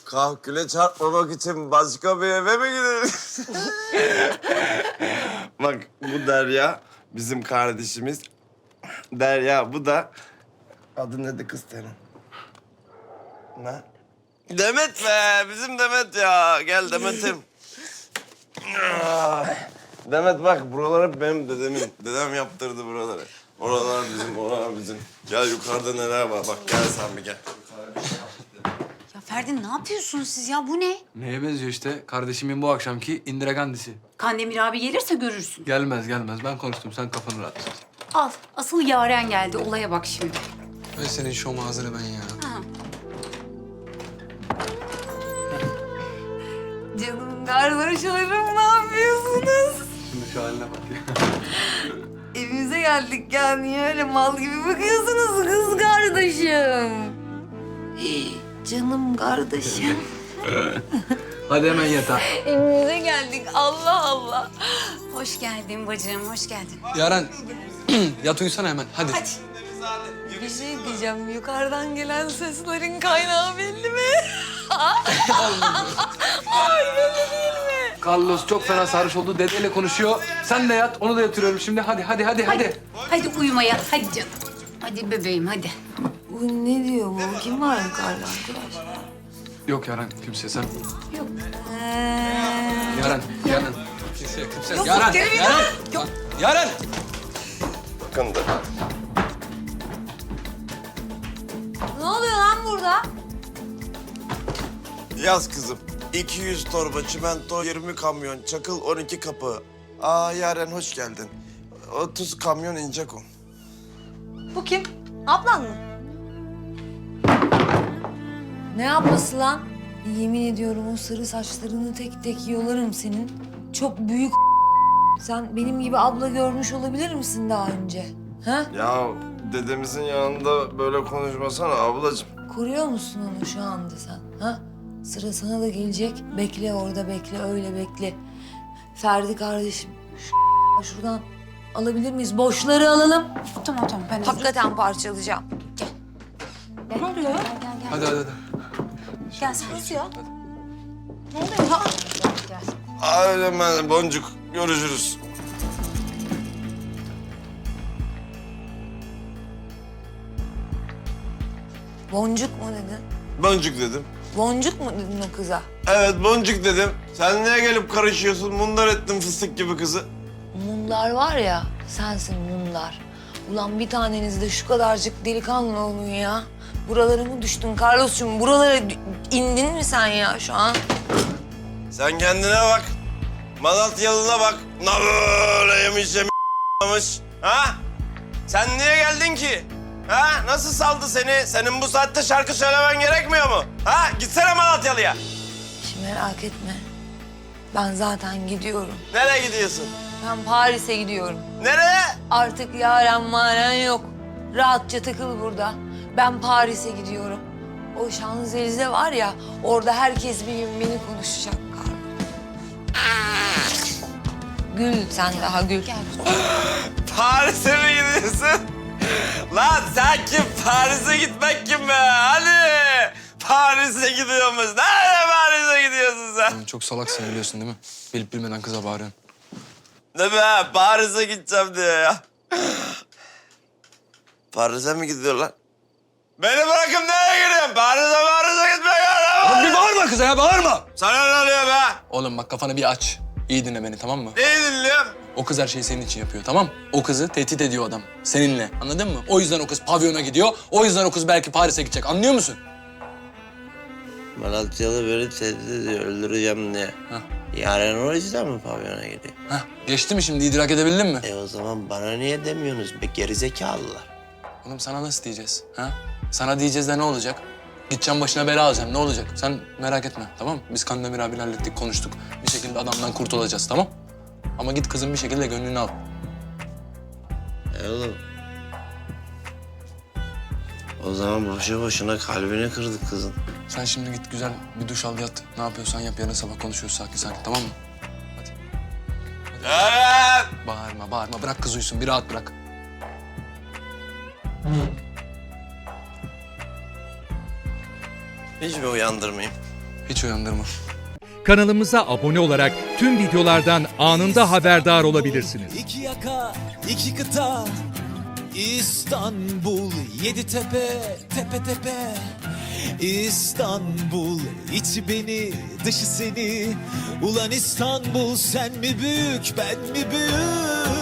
Kahküle çarpmamak için başka bir eve mi gideriz? Bak bu Derya bizim kardeşimiz. Derya bu da... Adı neydi kız senin? Ne? Demet be, bizim Demet ya. Gel Demet'im. Demet bak, buralar hep benim dedemin. Dedem yaptırdı buraları. Oralar bizim, oralar bizim. Gel yukarıda neler var, bak gel sen bir gel. Ya Ferdi ne yapıyorsunuz siz ya? Bu ne? Neye benziyor işte? Kardeşimin bu akşamki Indira Gandhi'si. Kandemir abi gelirse görürsün. Gelmez gelmez. Ben konuştum. Sen kafanı rahat tut. Al. Asıl Yaren geldi. Olaya bak şimdi. Ve senin şom ağzını ben ya. Ha. Canım kardeşlerim ne yapıyorsunuz? Şimdi şu haline bak ya. Evimize geldik ya. Niye öyle mal gibi bakıyorsunuz kız kardeşim? Canım kardeşim. Hadi hemen yatağa. Evimize geldik. Allah Allah. Hoş geldin bacım, hoş geldin. Yaren, yat uyusana hemen. Hadi. Bir şey diyeceğim. Yukarıdan gelen seslerin kaynağı belli mi? Ay belli değil mi? Carlos çok fena sarhoş oldu. Dedeyle konuşuyor. Sen de yat. Onu da yatırıyorum şimdi. Hadi. Hadi uyumaya, hadi canım. Hadi bebeğim, hadi. Bu ne diyor bu? Kim var yukarıda arkadaş? Yok Yaren, kimse sen. Yok. Yaren. Kimse. Yok, Yaren. gelin Yaren. ya. Yaren. Bakın da. Ne oluyor lan burada? Yaz kızım. 200 torba çimento, 20 kamyon, çakıl 12 kapı. Aa Yaren hoş geldin. 30 kamyon inecek o. Bu kim? Ablan mı? Ne yapması lan? Yemin ediyorum o sarı saçlarını tek tek yolarım senin. Çok büyük Sen benim gibi abla görmüş olabilir misin daha önce? Ha? Ya dedemizin yanında böyle konuşmasana ablacığım. Koruyor musun onu şu anda sen? Ha? Sıra sana da gelecek. Bekle orada bekle, öyle bekle. Ferdi kardeşim, şuradan alabilir miyiz? Boşları alalım. Tamam, ben Hakikaten parçalayacağım. Ne oluyor? Gel. Hadi. Gel sen. Nasıl ya? Ne oluyor? Ha? Gel. Öyle ben Boncuk. Görüşürüz. Boncuk mu dedin? Boncuk dedim. Boncuk mu dedin o kıza? Evet Boncuk dedim. Sen niye gelip karışıyorsun? Mundar ettin fıstık gibi kızı. Mumlar var ya, sensin mumlar. Ulan bir taneniz de şu kadarcık delikanlı olun ya. Buralara mı düştün Carlos'cum? Buralara indin mi sen ya şu an? Sen kendine bak. Malatyalına bak. Ne böyle yemiş. Ha? Sen niye geldin ki? Ha? Nasıl saldı seni? Senin bu saatte şarkı söylemen gerekmiyor mu? Ha? Gitsene Malatyalı'ya. Hiç merak etme. Ben zaten gidiyorum. Nereye gidiyorsun? Ben Paris'e gidiyorum. Nereye? Artık yaren maren yok. Rahatça takıl burada. Ben Paris'e gidiyorum. O Şanzelize var ya, orada herkes bir gün beni konuşacak Carlos. Gül sen daha gül. Gel. Paris'e mi gidiyorsun? Lan sen kim? Paris'e gitmek kim be? Hadi. Paris'e gidiyormuş. Nereye Paris'e gidiyorsun sen? Çok salaksın biliyorsun değil mi? Bilip bilmeden kıza bağırıyorsun. Ne be? Paris'e gideceğim diye ya. Paris'e mi gidiyorlar? Beni bırakın nereye gidiyorsun? Paris'e gitmek yok. Bir bağırma kıza ya, bağırma! Sana ne oluyor be? Oğlum bak kafanı bir aç. İyi dinle beni, tamam mı? Neyi dinliyorum? O kız her şeyi senin için yapıyor, tamam mı? O kızı tehdit ediyor adam. Seninle. Anladın mı? O yüzden o kız pavyona gidiyor. O yüzden o kız belki Paris'e gidecek. Anlıyor musun? Malatyalı beni tehdit ediyor, öldüreceğim diye. Hah. Yarın o yüzden mi pavyona gidiyor? Heh, geçti mi şimdi? İdrak edebildin mi? O zaman bana niye demiyorsunuz be gerizekalılar? Oğlum sana nasıl diyeceğiz? Ha? Sana diyeceğiz de ne olacak? Gideceğim başına bela alacağım. Ne olacak? Sen merak etme, tamam mı? Biz Kandemir abiyle hallettik, konuştuk. Bir şekilde adamdan kurtulacağız, tamam? Ama git kızın bir şekilde gönlünü al. Oğlum. O zaman boşu boşuna kalbini kırdık kızın. Sen şimdi git güzel bir duş al, yat. Ne yapıyorsan yap. Yarın sabah konuşuyoruz sakin, tamam mı? Hadi. Evet. Bağırma. Bırak kız uyusun. Bir rahat bırak. Hiç mi uyandırmayayım? Hiç uyandırma. Kanalımıza abone olarak tüm videolardan anında haberdar olabilirsiniz. İki yaka, iki kıta, İstanbul, yedi tepe, tepe tepe. İstanbul, içi beni, dışı seni. Ulan İstanbul, sen mi büyük, ben mi büyük?